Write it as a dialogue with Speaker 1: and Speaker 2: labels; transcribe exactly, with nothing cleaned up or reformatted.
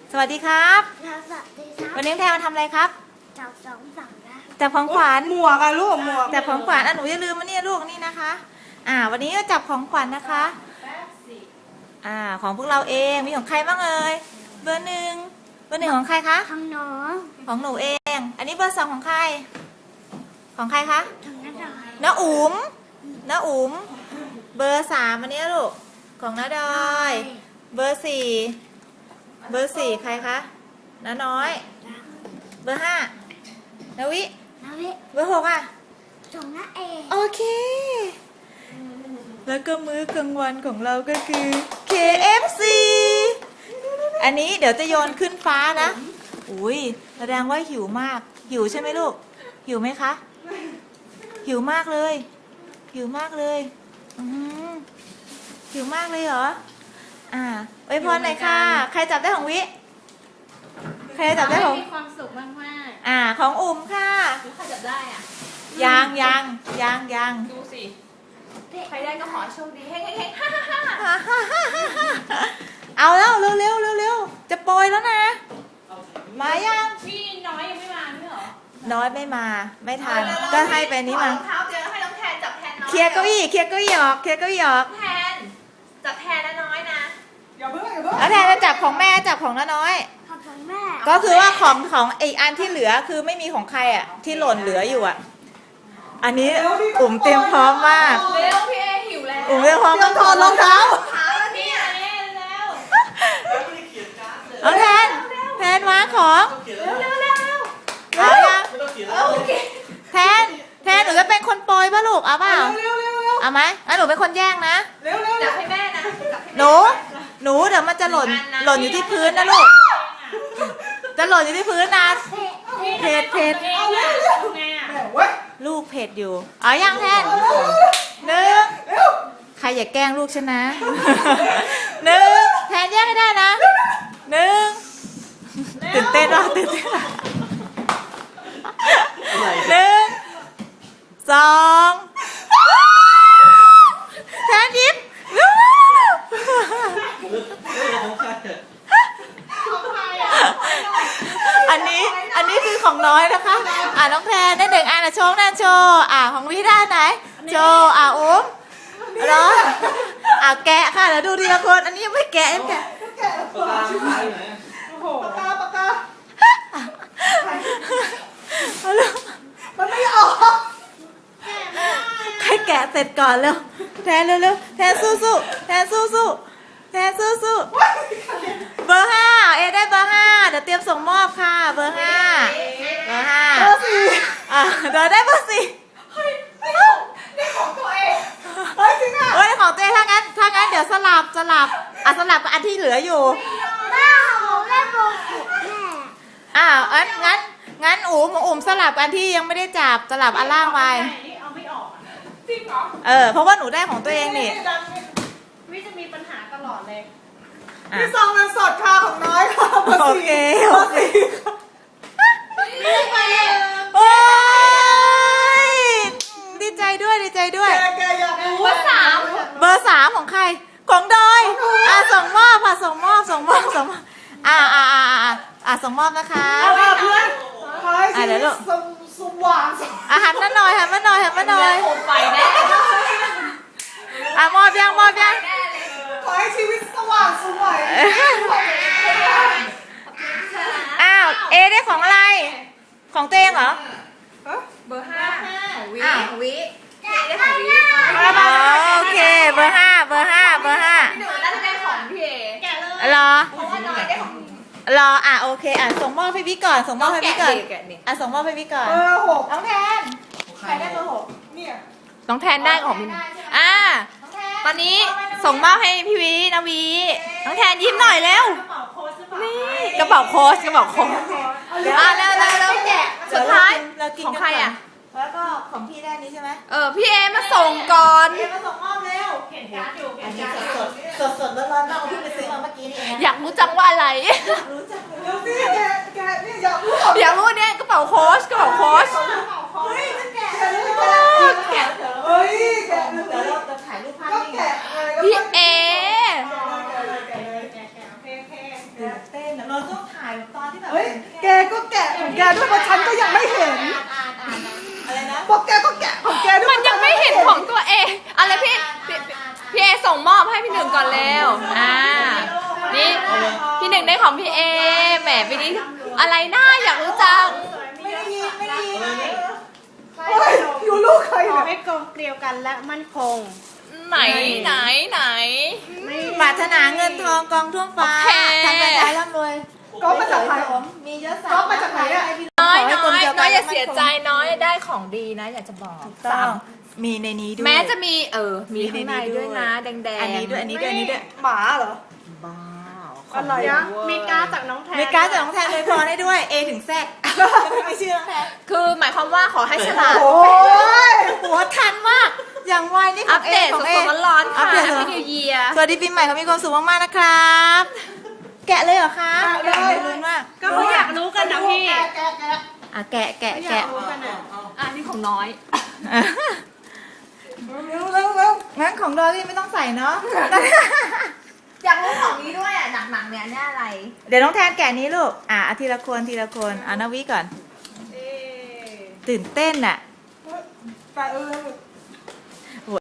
Speaker 1: สวัสดีครับ
Speaker 2: สวัสดีครับ
Speaker 1: วันนี้แทนมาทำอะไรครับ
Speaker 2: จับสองฝั่งนะ
Speaker 1: จับของขวัญ
Speaker 3: หมวกอะลูกหมวก
Speaker 1: จับของขวัญอ่ะหนูอย่าลืมมานี่ลูกนี่นะคะ อ่า วันนี้ก็จับของขวัญนะคะ อ่า ของพวกเราเองมีของใครบ้างเอ่ยเบอร์หนึ่งเบอร์หนึ่งของใครคะ
Speaker 2: ทางน้อง
Speaker 1: ของหนูเอง อันนี้เบอร์สองของใคร ของใครคะ
Speaker 2: ทางน้าดอย
Speaker 1: น้าอุ๋มน้าอุ๋มเบอร์สามอันนี้ลูกของน้าดอย เบอร์สี่เบอร์สี่ใครคะน้าน้อย เบอร์ห้านาวิ
Speaker 2: นาวิ
Speaker 1: เบอร์หกอ่ะ
Speaker 2: ส่งน้าเอ
Speaker 1: โอเค แล้วก็มื้อกลางวันของเราก็คือ เค เอฟ ซี อันนี้เดี๋ยวจะโยนขึ้นฟ้านะ อุ้ยแสดงว่าหิวมาก หิวใช่ไหมลูก หิวไหมคะ หิวมากเลย หิวมากเลยอืมหิวมากเลยเหรอ อ่าอวยพรหน่อยค่ะ ใครจับได้ของวิ ใครจับได้ของ
Speaker 4: มีความสุขมากมาก
Speaker 1: อ่า ของอุ่มค่ะ
Speaker 4: ๆรู้ใครจับได้อ่ะ
Speaker 1: ยังยังยังยัง
Speaker 4: ดูสิ ใครได้ก็ขอให้โชคดีเฮ้ยเฮ้ยเฮ้ยฮ่าฮ่าฮ่า
Speaker 1: เอาแล้วเร็วเร็วเร็วเร็วจะโปรยแล้วนะ มายัง
Speaker 4: พี่น้อยยังไม่มาไม่เหรอ
Speaker 1: น้อยไม่มา ไม่ทัน ก็ให้ไปนี้มา
Speaker 4: ขอรองเท้าเจอให้น้องแทนจับแทนน้อย
Speaker 1: เคลียร์เก้าอี้เคลียร์เก้าอี้ออกเคลียร์เก้าอี้ออก
Speaker 4: แทน จับแทนนะน้อยนะ
Speaker 3: อย่าเพิ่งอย่าเพิ่ง
Speaker 1: แล้วแทนจะจับของแม่จับของน้าน้อย
Speaker 2: ขอบคุณแม่
Speaker 1: ก็คือว่าของของอีกอันที่เหลือคือไม่มีของใครอ่ะ ที่หล่นเหลืออยู่อ่ะ อันนี้อุ่มเตรียมพร้อมมาก
Speaker 4: เร็วพี่เอหิวแล้ว
Speaker 1: อุ่มเตรียมพร้อม
Speaker 3: ต้องถอดรองเท้า
Speaker 4: ขาแล้วพี่เอแล้ว
Speaker 1: เอาแทนแทนวางของ
Speaker 4: เร็วเร็วเร็วเร็ว
Speaker 1: เอายัง
Speaker 4: เออโอเค
Speaker 1: แทนแทนหนูจะเป็นคนโปรยป่ะลูกเอาเปล่า
Speaker 3: เร็วเร็วเร็ว
Speaker 1: เอาไหมอ่ะหนูเป็นคนแย่งนะ
Speaker 3: เร็วเร็ว
Speaker 4: จับให้แม่นะจับให้
Speaker 1: หนู หนูเดี๋ยวมันจะหล่น หล่นอยู่ที่พื้นนะลูก จะหล่นอยู่ที่พื้นนะ เผ็ดเผ็ด
Speaker 4: เอาเร็วทำไงอ่ะ
Speaker 3: แม่เว้ย
Speaker 1: ลูกเผ็ดอยู่ เอายังแทนหนึ่ง
Speaker 3: เร็ว
Speaker 1: ใครอย่าแกล้งลูกฉันนะ หนึ่งแทนแย่งให้ได้นะหนึ่งตื่นเต้นว่ะตื่นเต้นว่ะหนึ่งสองแทนยิ้มอันนี้อันนี้คือของน้อยนะคะ อ่าน้องแทนได้หนึ่งอันนะโชว์นะโชว์อ่าของพี่ได้ไหนโชว์อ่าอุ้มรออ่าแกะค่ะเดี๋ยวดูทีละคนอันนี้ยังไม่แกะยังแกะ
Speaker 3: แกะปากกาชิบหายไหนโอ้โหปากกาปากกา
Speaker 1: เอาลูก
Speaker 3: มันไม่ออก
Speaker 1: ใครแกะเสร็จก่อนเร็วแทนเร็วๆแทนสู้สู้ๆแทนสู้สู้ๆแทนสู้สู้ๆเบอร์ห้าเอได้เบอร์ห้าเดี๋ยวเตรียมส่งมอบค่ะเบอร์ห้าเบอร์ห้า
Speaker 3: เบอร์สี่
Speaker 1: อ่ะเดี๋ยวได้เบอร์สี่
Speaker 3: นี่ของตัวเองเฮ้ยจริงอ่ะ
Speaker 1: เอ้ยของตัวเองถ้างั้นถ้างั้นเดี๋ยวสลับสลับอ่ะสลับกับอันที่เหลืออยู่
Speaker 2: แม่ของแม่โบกุแม่
Speaker 1: อ่ะงั้นงั้นงั้นอุ๋มอุ๋มสลับอันที่ยังไม่ได้จับสลับอันล่างไป
Speaker 4: นี่เอาไม่ออกอะจริงเหรอ
Speaker 1: เออเพราะว่าหนูได้ของตัวเองนี่
Speaker 4: วิจะมีปัญหาตลอดเลย
Speaker 1: อ่ะ
Speaker 3: นี่ซองเงินสดค่ะของน้อยค่ะเบอร์
Speaker 1: โอ
Speaker 3: สี่
Speaker 1: เค
Speaker 3: เบ
Speaker 1: โอ
Speaker 3: อร์
Speaker 1: เค
Speaker 3: สี่
Speaker 1: โอ้ยดีใจด้วยดีใจด้วย
Speaker 3: แกแกอยากรู้
Speaker 4: ว่าสาม
Speaker 1: เบอร์สามของใครของดอยอ่ะส่งมอบค่ะส่งมอบส่งมอบส่งมอบอ่ะอ่ะอ่ะอ่ะอ่ะส่งมอบนะคะ
Speaker 3: เอาล่ะเพื่อนขอให้ชี
Speaker 1: อ่ะเดี๋
Speaker 3: วิ
Speaker 1: ยวลู
Speaker 3: ต
Speaker 1: ก
Speaker 3: สมสมหวัง
Speaker 1: อ่ะหันมาหน่อยหันมาหน่อยหันมาหน่อย
Speaker 4: โคมไฟแน่
Speaker 1: อ่ะมอบยังมอบยัง
Speaker 3: ขอให้ชีวิตสว่างสวย
Speaker 1: อ้าวเอได้ของอะไร ของตัวเองเหรอ
Speaker 4: เบอร์ห้าวิ
Speaker 1: อ้าว
Speaker 4: วิได้ของวิ
Speaker 1: อ๋อโอเคเบอร์ห้าเบอร์ห้าเบอร์ห้า
Speaker 4: พี่หนูน่าจะได้ของพี่เอแกะเลย
Speaker 1: รอ
Speaker 4: เพราะว่าน้อยได้ของ
Speaker 1: รออ่ะโอเคอ่ะส่งมอบให้พี่ก่อนส่งมอบให้พี่ก่อน
Speaker 4: แกะดิ
Speaker 1: อ่ะส่งมอบให้พี่ก่อน
Speaker 3: เบอร์หก
Speaker 1: น้องแทนใครได้เบอร์หก
Speaker 3: เนี่ย
Speaker 4: น้องแทนได้ของพี่อ่า ตอนนี้ส่งมอบให้พี่วีนาวี น้องแทนยิ้มหน่อยเร็ว นี่กระเป๋าโค้ชกระเป๋าโค้ชอ่ะเร็วเร็วเร็วสุดท้าย
Speaker 1: เรากิน
Speaker 4: ของ
Speaker 1: กัน
Speaker 4: ใคร
Speaker 1: ก่น
Speaker 4: อ่ะ
Speaker 1: แล้วก็ของพี่ได้นี้ใช่ไหม
Speaker 4: เออพี่เอมาส่งก่อน
Speaker 1: เอมาส่งมอบเร็วเห็นการ์ดอยู่อันนี้สดสดสดๆร้อนๆเราเพิ่งไปซื้อมาเมื่อกี้นี่เอง
Speaker 4: อยากรู้จังว่าอะไร
Speaker 1: รู้จักเลย
Speaker 3: เดี๋ยวสิแกแกเนี่ยอยากรู้เหรอ
Speaker 4: อยากรู้เนี่ยกระเป๋าโค้ชกระเป๋าโค้ช
Speaker 1: เฮ้ยจะแกะ
Speaker 3: แกะเลย
Speaker 1: แกะ
Speaker 3: เฮ้ยแกะเล
Speaker 1: เดี๋ยวย เราจะถ่ายรูปภาพ
Speaker 3: ก็
Speaker 1: นี่ไง
Speaker 3: แกะเลย
Speaker 4: พี่เอ
Speaker 3: แกะเลยแกะเลยแกะเลยแกะเลยโอเคโอเค
Speaker 1: ตื่นเต้นนะเราต้องถ่ายตอนที่แบบ
Speaker 3: เฮ้ยแกก็แกะของแกด้วยเพราะฉันก็ยังไม่เห็น
Speaker 1: อ่านอ่านอ่านอะไรนะ
Speaker 3: บอกแกก็แกะของแกด้วย
Speaker 4: มันยังไม่เห็นของตัวเองอะไรพี่พี่พี่เอส่งมอบให้พี่หนึ่งก่อนเร็วอ่านี่พี่หนึ่งได้ของพี่เอแหมปีนี้อะไรน่าอยากรู้จัง
Speaker 1: ไม่ได้ยินไม่ได้ยิน
Speaker 3: เฮ้ยอยู่ลูกใคร
Speaker 5: ขอ
Speaker 3: เนี่ย
Speaker 5: ให้กลมเกลียวกันและมั่นคง
Speaker 4: ไหนไหนไหน
Speaker 1: ปรารถนาเงินทองกองท่วมฟ้า
Speaker 4: โอเค
Speaker 1: ทำแต่ใจร่ำรวย
Speaker 3: ก็มาจากไหน
Speaker 1: มีเยอะสั
Speaker 3: ก็มาจากไหนอะ
Speaker 4: น้อยน้อยน้อยอย่าเสียใจน้อยได้ของดีนะ อยากจะบอก
Speaker 1: ต้องมีในนี้ด้วย
Speaker 4: แม้จะมีเออมีข้างในด้วยนะแดงแดง
Speaker 1: อันนี้ด้วยอันนี้ด้วยอันนี้ด้วย
Speaker 3: หมาเหรอ
Speaker 4: บ้า
Speaker 3: อะไร
Speaker 5: เดี๋ยว
Speaker 3: อะ
Speaker 5: มีการดจากน้องแทน
Speaker 1: มีการดจากน้องแทนเลยพอได้ด้วย A ถึง Z ไม่มีชื่อน้องแทน
Speaker 4: คือหมายความว่าขอให้ฉลาด
Speaker 3: โอ้ย
Speaker 1: หัวทันมาก อย่างไวนี่ข
Speaker 4: อั
Speaker 1: อง
Speaker 4: ป
Speaker 1: A
Speaker 4: เดต
Speaker 1: ของ A
Speaker 4: สดๆร้อนๆ
Speaker 1: อั
Speaker 4: ค่ะ
Speaker 1: ปเดต
Speaker 4: แฮป
Speaker 1: เหรอ
Speaker 4: ปี้นิวเยียร์
Speaker 1: สวัสดีปีใหม่เขามีความสุขมากๆนะครับ แกะเลยเหรอคะ
Speaker 3: แกะเลย
Speaker 1: ลุ้นมาก
Speaker 5: ก็เขาอยากรู้กันนะพี่
Speaker 3: แกะแกะแกะ
Speaker 1: อ่ะแกะแกะ
Speaker 5: เขาอยา
Speaker 1: แกะ
Speaker 5: กรู้กันอ่ะ
Speaker 4: อันนี้ของน้อย
Speaker 3: เร็วเร็วเร็ว
Speaker 1: งั้นของดอลลี่ไม่ต้องใส่เนาะ
Speaker 4: อยากรู้ของนี้ด้วยอ่ะหนักๆเนี่ยเนี่ยอะไร
Speaker 1: เดี๋ยวน้องแทนแกะนี้ลูก อ่ะเอาทีละคนทีละคนเอานาวิก่อน
Speaker 5: เอ๊ะ
Speaker 1: ตื่นเต้นอ่ะ
Speaker 3: ไปเออ